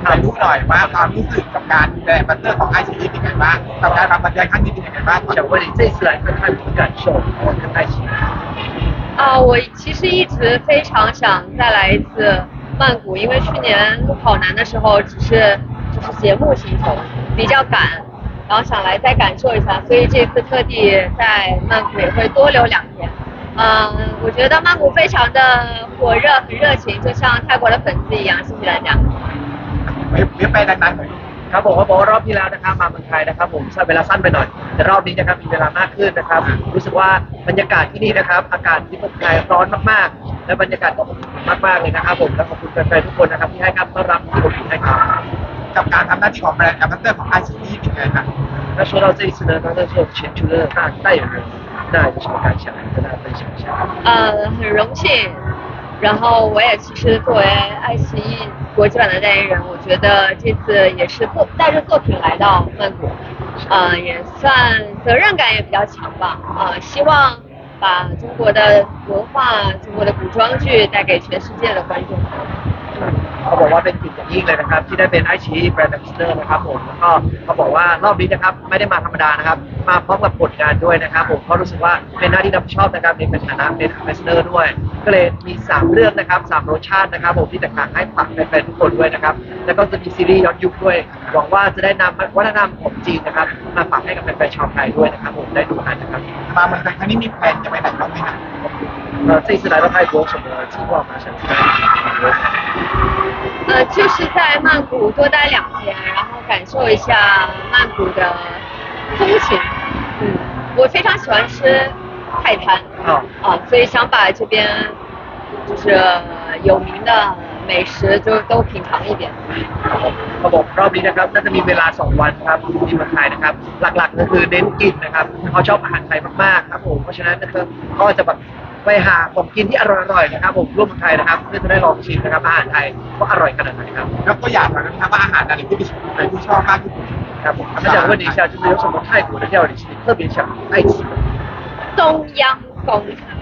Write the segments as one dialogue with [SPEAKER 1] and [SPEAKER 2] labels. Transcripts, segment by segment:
[SPEAKER 1] ไปรู้หน่อยว่าความรู้สึกกับการดูแลบัตเตอร์ของไอซีอีเป็นไงบ้างกับการทำบรรยายครั้งนี้เป็นยังไงบ้าง
[SPEAKER 2] 想问你这次来看泰国的感受，然后看爱奇艺。
[SPEAKER 3] 我其实一直非常想再来一次曼谷，因为去年跑男的时候就是节目行程比较赶，然后想来再感受一下，所以这次特地在曼谷也会多留2天。我觉得曼谷非常的火热，很热情，就像泰国的粉丝一样。谢谢大家。
[SPEAKER 1] ไม่ไปดังๆหน่อย
[SPEAKER 2] ครับผมเขาบอกว่ารอบที่แล้วนะครับมาเมืองไทยนะครับผมใช้เวลาสั้นไปหน่อยแต่รอบนี้นะครับมีเวลามากขึ้นนะครับรู้สึกว่าบรรยากาศที่นี่นะครับอากาศที่เมืองไทยร้อนมากๆและบรรยากาศก็อบอุ่นมากๆเลยนะครับผมและขอบคุณแฟนๆทุกคนนะครับที่ให้การต้อนรับที่อบอุ่นให้ครับ
[SPEAKER 1] กับการทำหน้าที่ของแบรนด์แอมบาสเดอร์ของไอซีอีเป็นไงครับ
[SPEAKER 2] 那说到这一次呢，刚才说全球的大代言人，那有什么感想？跟大家分享一下。
[SPEAKER 3] 很荣幸。然后我也其实作为爱奇艺国际版的代言人，我觉得这次也是带着作品来到曼谷，也算责任感也比较强吧，希望把中国的文化、中国的古装剧带给全世界的观众。
[SPEAKER 2] เขาบอกว่าเป็นเกียรติอย่างยิ่งเลยนะครับที่ได้เป็นไอชีแบรนด์แอมบาสเดอร์นะครับผมแล้วก็เขาบอกว่ารอบนี้นะครับไม่ได้มาธรรมดานะครับมาพร้อมกับผลงานด้วยนะครับผมเพราะรู้สึกว่าเป็นหน้าที่รับผิดชอบนะครับในฐานะเป็นแอมบาสเดอร์ด้วยก็เลยมี3เรื่องนะครับ3รสชาตินะครับผมที่แตกต่างให้ฝากแฟนๆทุกคนด้วยนะครับแล้วก็จะมีซีรีส์ย้อนยุคด้วยหวังว่าจะได้นำวัฒนธรรมของจีนนะครับมาฝากให้กับแฟนๆชาวไทยด้วยนะครับผมได้ดูกันนะครับ
[SPEAKER 1] มาเมืองไทยครั้งนี้มีแผนจะไปไหนบ้างไหมครับ
[SPEAKER 2] 这一次来到泰国什么计划吗？想去哪里旅游？
[SPEAKER 3] 就是在曼谷多待2天，然后感受一下曼谷的风情。我非常喜欢吃泰餐，所以想把这边就是有名的美食就都品尝一遍。
[SPEAKER 2] เขาบอกรอบนี้นะครับน่าจะมีเวลา2วันครับที่เมืองไทยนะครับหลักๆก็คือเน้นกินนะครับเขาชอบอาหารไทยมากๆครับผมเพราะฉะนั้นนะครับก็จะแบบไปหาของกินที่อร่อยๆนะครับผมร่วมเมืองไทยนะครับเพื่อจะได้ลองชิมนะครับอาหารไทยว่าอร่อยขนาดไหนครับ
[SPEAKER 1] แล้วก็อยากรู้นะครับว่าอาหารอะไรที่ชอบมากที่สุด
[SPEAKER 2] ครับผม他想问你一下就是有什么泰国的料理是你特别想爱吃的
[SPEAKER 3] 冬阴功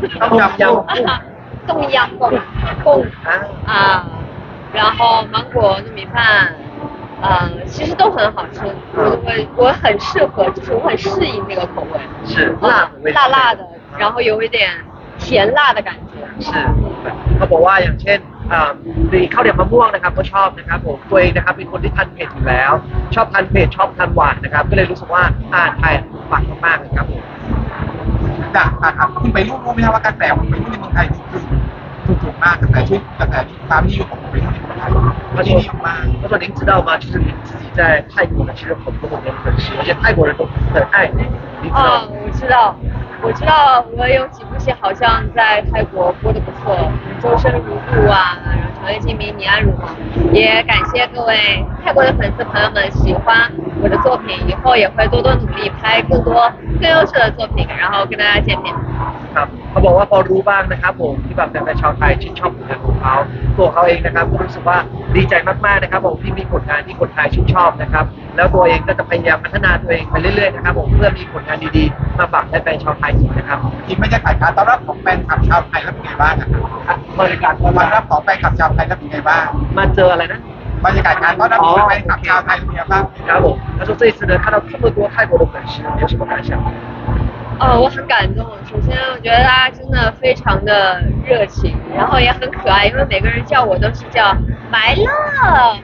[SPEAKER 3] 冬阴功然后芒果糯米饭其实都很好吃，我很适合，就是我很适应这个口味，
[SPEAKER 2] 是辣的味道，
[SPEAKER 3] 辣的，然后有一点甜辣的感觉。
[SPEAKER 2] 是เขาบอกว่าอย่างเช่นมีข้าวเหนียวมะม่วงนะครับก็ชอบนะครับผมตัวเองนะครับเป็นคนที่ทานเผ็ดอยู่แล้วชอบทานเผ็ดชอบทานหวานนะครับก็เลยรู้สึกว่าอาหารไทยฝังมากๆเลยครับผม
[SPEAKER 1] ครับคุณไปรู้ไหมครับว่ากระแสของไปรุ่นในเมืองไทยคือถูกมากกระแสชื่อกระแสความนิยมของไปรุ่นในเมืองไทยที่นิยมมาก
[SPEAKER 2] 他说您知道吗就是您自己在泰国呢其实很多人粉丝而且泰国人都很爱你
[SPEAKER 3] 我知道我有几部戏好像在泰国播的不错，周生如故啊，然后长夜烬明、你安如梦，也感谢各位泰国的粉丝朋友们喜欢我的作品，以后也会多多努力拍更多更优秀的作品，然后跟大家见面。
[SPEAKER 2] ครับเขาบอกว่าพอรู้บ้างนะครับผมที่แบบแฟนๆชาวไทยชื่นชอบผลงานของเขาตัวเขาเองนะครับก็รู้สึกว่าดีใจมากๆนะครับผมที่มีผลงานที่คนไทยชื่นชอบนะครับแล้วตัวเองก็จะพยายามพัฒนาตัวเองไปเรื่อยๆนะครับผมเพื่อมีผลงานดีๆมาฝากแฟนๆชาวไทยอีกนะครับ
[SPEAKER 1] ทีมบรรยากาศการต้อนรับของแฟนคลับชาวไทยแล้วเป็นไงบ้างครับ
[SPEAKER 2] บรรยากาศ
[SPEAKER 1] ต้อนรับของแฟนคลับชาวไทยแล้วเป็นไงบ้าง
[SPEAKER 2] มาเจออะไรนะ
[SPEAKER 1] บรรยากาศการต้อนรับของแฟนคลับชาวไทยเป็นไงบ้าง
[SPEAKER 2] ครับผม他说这一次呢看到这么多泰国的粉丝有什么感想
[SPEAKER 3] 我很感动。首先，我觉得大家真的非常的热情，然后也很可爱，因为每个人叫我都是叫来了，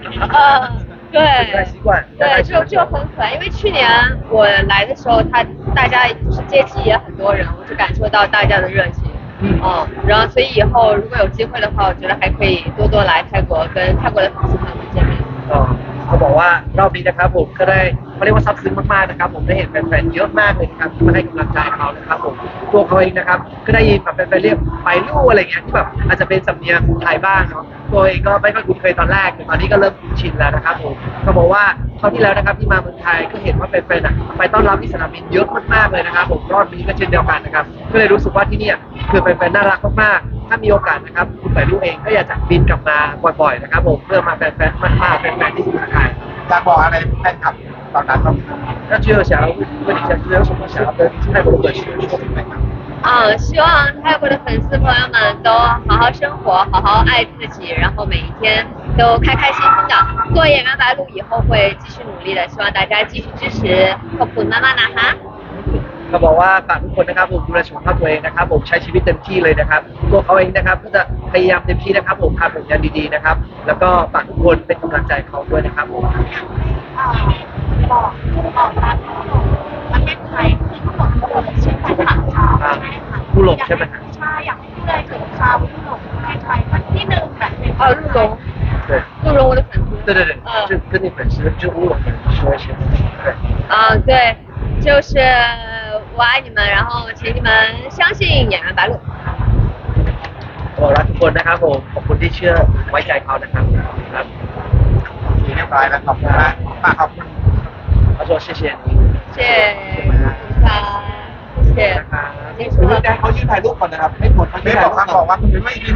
[SPEAKER 3] 对，就很可爱。因为去年我来的时候，大家就是接机也很多人，我就感受到大家的热情。然后所以以后如果有机会的话，我觉得还可以多多来泰国，跟泰国的粉丝朋友们见面。
[SPEAKER 2] เขาบอกว่ารอบนี้นะครับผมก็ได้เขาเรียกว่าซับซึ้งมากๆนะครับผมได้เห็นแฟนๆเยอะมากเลยนะครับที่มาให้กำลังใจเขานะครับผมตัวเขาเองนะครับก็ได้ยินแบบแฟนๆเรียกไปลู่อะไรเงี้ยที่แบบอาจจะเป็นสำเนียงไทยบ้างเนาะตัวเองก็ไม่ค่อยคุ้นเคยตอนแรกแต่ตอนนี้ก็เริ่มชินแล้วนะครับผมเขาบอกว่าคราวที่แล้วนะครับที่มาเมืองไทยก็เห็นว่าแฟนๆไปต้อนรับที่สนามบินเยอะมากๆเลยนะครับผมรอบนี้ก็เช่นเดียวกันนะครับก็เลยรู้สึกว่าที่นี่คือแฟนๆน่ารักมากๆถ้ามีโอกาสนะครับคุณไปลู่เองก็อยากจะบินกลับมาบ่อยๆนะครับผมเพื่อมาแฟนๆมาแฟนๆที่เมืองไทย
[SPEAKER 1] อยากบอกอะไรแฟนคลับตอนนั้นบ้าง
[SPEAKER 2] 那最后想要问你一下，就是有什么想要跟泰国的粉丝说的吗？
[SPEAKER 3] 希望泰国的粉丝朋友们都好好生活，好好爱自己，然后每一天都开开心心的。做演员白鹿以后会继续努力的，希望大家继续支持ขอบคุณมากๆนะคะ
[SPEAKER 2] ก็บอกว่าฝากทุกคนนะครับผมดูแลสุขภาพตัวเองนะครับผมใช้ชีวิตเต็มที่เลยนะครับตัวเขาเองนะครับก็จะพยายามเต็มที่นะครับผมทำผลงานดีๆนะครับแล้วก็ฝากทุกคนเป็นกำลังใจเขาด้วยนะครับผม
[SPEAKER 4] บอกรักประเทศไทยคือทั้งหมดเลยเช่นแฟนคลับชาวใช่ไหมคะ
[SPEAKER 2] ผู้หลงใช่ไหมครับ
[SPEAKER 4] ใช่อยากให้พูดอะไรถึงชาวผู้หลงประเทศไทยสักที่หนึ่งแบบเป็น
[SPEAKER 3] 哦，陆龙，
[SPEAKER 2] 对
[SPEAKER 3] 陆龙我的粉丝。
[SPEAKER 2] 对对对就跟你粉丝就乌龙说一些对
[SPEAKER 3] 对，就是我爱你们，然后请你们相信演员白鹿。
[SPEAKER 2] บอกรักทุกคนนะครับผมขอบคุณที่เชื่อไว้ใจเขานะครับครับ
[SPEAKER 1] โอเคเรียบร้อยแล้วขอบคุณมากฝากขอบคุณ
[SPEAKER 2] เขา说谢谢你
[SPEAKER 3] 谢谢他，谢谢。
[SPEAKER 2] นะครับ
[SPEAKER 3] 结束
[SPEAKER 1] คุณ
[SPEAKER 3] 了
[SPEAKER 1] แจ้งเขายื่นถ่ายรูปก่อนนะครับไม่หมดเขายื่นถ่ายรูปก่อนบอกว่าคุณไม่